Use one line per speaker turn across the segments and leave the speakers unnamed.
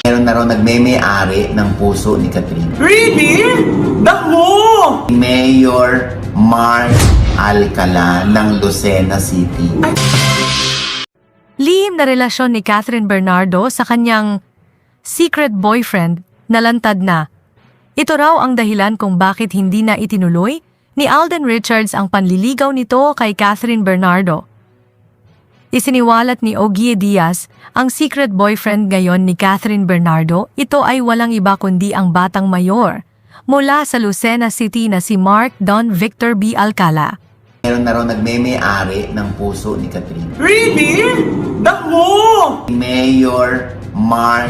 Meron na raw nagme-may-ari ng puso ni Catherine.
Really? Naku!
Mayor Mark Alcala ng Lucena City.
Lihim na relasyon ni Catherine Bernardo sa kanyang secret boyfriend na lantad na. Ito raw ang dahilan kung bakit hindi na itinuloy ni Alden Richards ang panliligaw nito kay Catherine Bernardo. Isiniwalat ni Ogie Diaz ang secret boyfriend ngayon ni Catherine Bernardo. Ito ay walang iba kundi ang batang mayor mula sa Lucena City na si Mark Don Victor B. Alcala.
Meron na raw nagme-may-ari ng puso ni Catherine.
Really? Naku!
Mayor Mark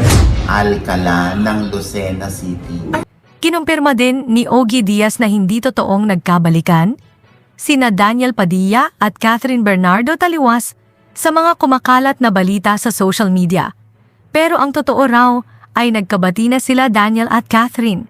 Alcala ng Lucena City.
Kinumpirma din ni Ogie Diaz na hindi totoong nagkabalikan sina Daniel Padilla at Catherine Bernardo taliwas sa mga kumakalat na balita sa social media. Pero ang totoo raw ay nagkabati na sila Daniel at Catherine.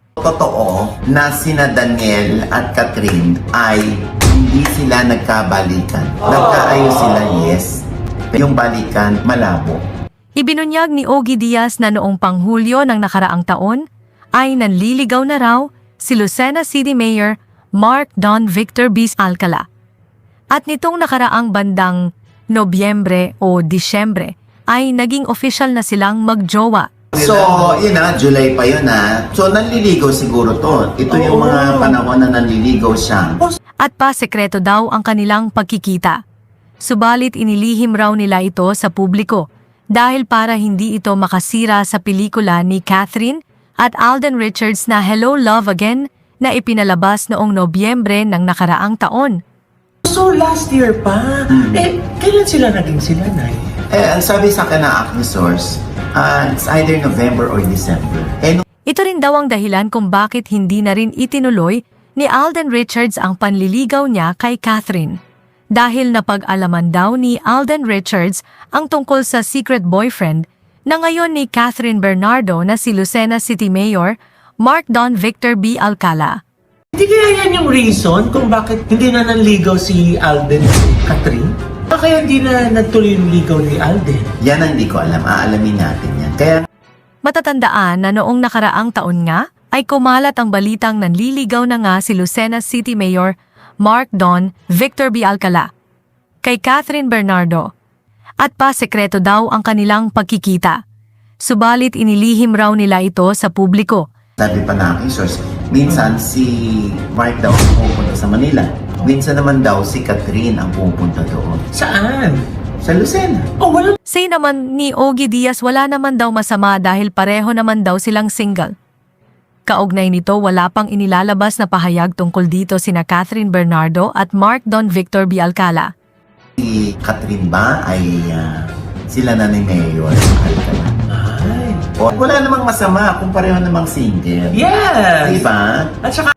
Totoo na sina Daniel at Catherine ay hindi sila nagkabalikan. Nagkaayos sila, yes. Pero yung balikan, malabo.
Ibinunyag ni Ogie Diaz na noong Panghulyo ng nakaraang taon ay nanliligaw na raw si Lucena City Mayor Mark Don Victor B. Alcala. At nitong nakaraang bandang Nobyembre o Disyembre ay naging official na silang magjowa.
So, yun na, July pa yun na. So, nanliligaw siguro to. Ito yung mga panahon na nanliligaw siya.
At pa sekreto daw ang kanilang pagkikita. Subalit inilihim raw nila ito sa publiko dahil para hindi ito makasira sa pelikula ni Catherine at Alden Richards na Hello Love Again na ipinalabas noong Nobyembre ng nakaraang taon.
So last year pa? Kailan sila naging sila, Nay?
Ang sabi sa akin na Acne Source, it's either November or December.
Ito rin daw ang dahilan kung bakit hindi na rin itinuloy ni Alden Richards ang panliligaw niya kay Catherine. Dahil napag-alaman daw ni Alden Richards ang tungkol sa secret boyfriend na ngayon ni Catherine Bernardo na si Lucena City Mayor Mark Don Victor B. Alcala.
Hindi kaya yan yung reason kung bakit hindi na nanligaw si Alden at Catherine? Kaya hindi na nagtuloy yung ligaw ni Alden?
Yan ang hindi ko alam. Aalamin natin yan. Kaya
Matatandaan na noong nakaraang taon nga ay kumalat ang balitang nanliligaw na nga si Lucena City Mayor Mark Don Victor B. Alcala kay Catherine Bernardo at pa sekreto daw ang kanilang pagkikita. Subalit inilihim raw nila ito sa publiko.
sabi pa na aking source, minsan si Mark daw ang pupunta sa Manila. Minsan naman daw si Catherine ang pupunta doon.
Saan?
Sa Lucena.
Oh, wala.
Say naman ni Ogie Diaz wala naman daw masama dahil pareho naman daw silang single. Kaugnay nito wala pang inilalabas na pahayag tungkol dito sina Catherine Bernardo at Mark Don Victor B. Alcala.
Si Catherine ba ay sila na ni Mayor Alcala?
Ay.
O, wala namang masama kung pareho namang single.
Yes!
Diba?
At saka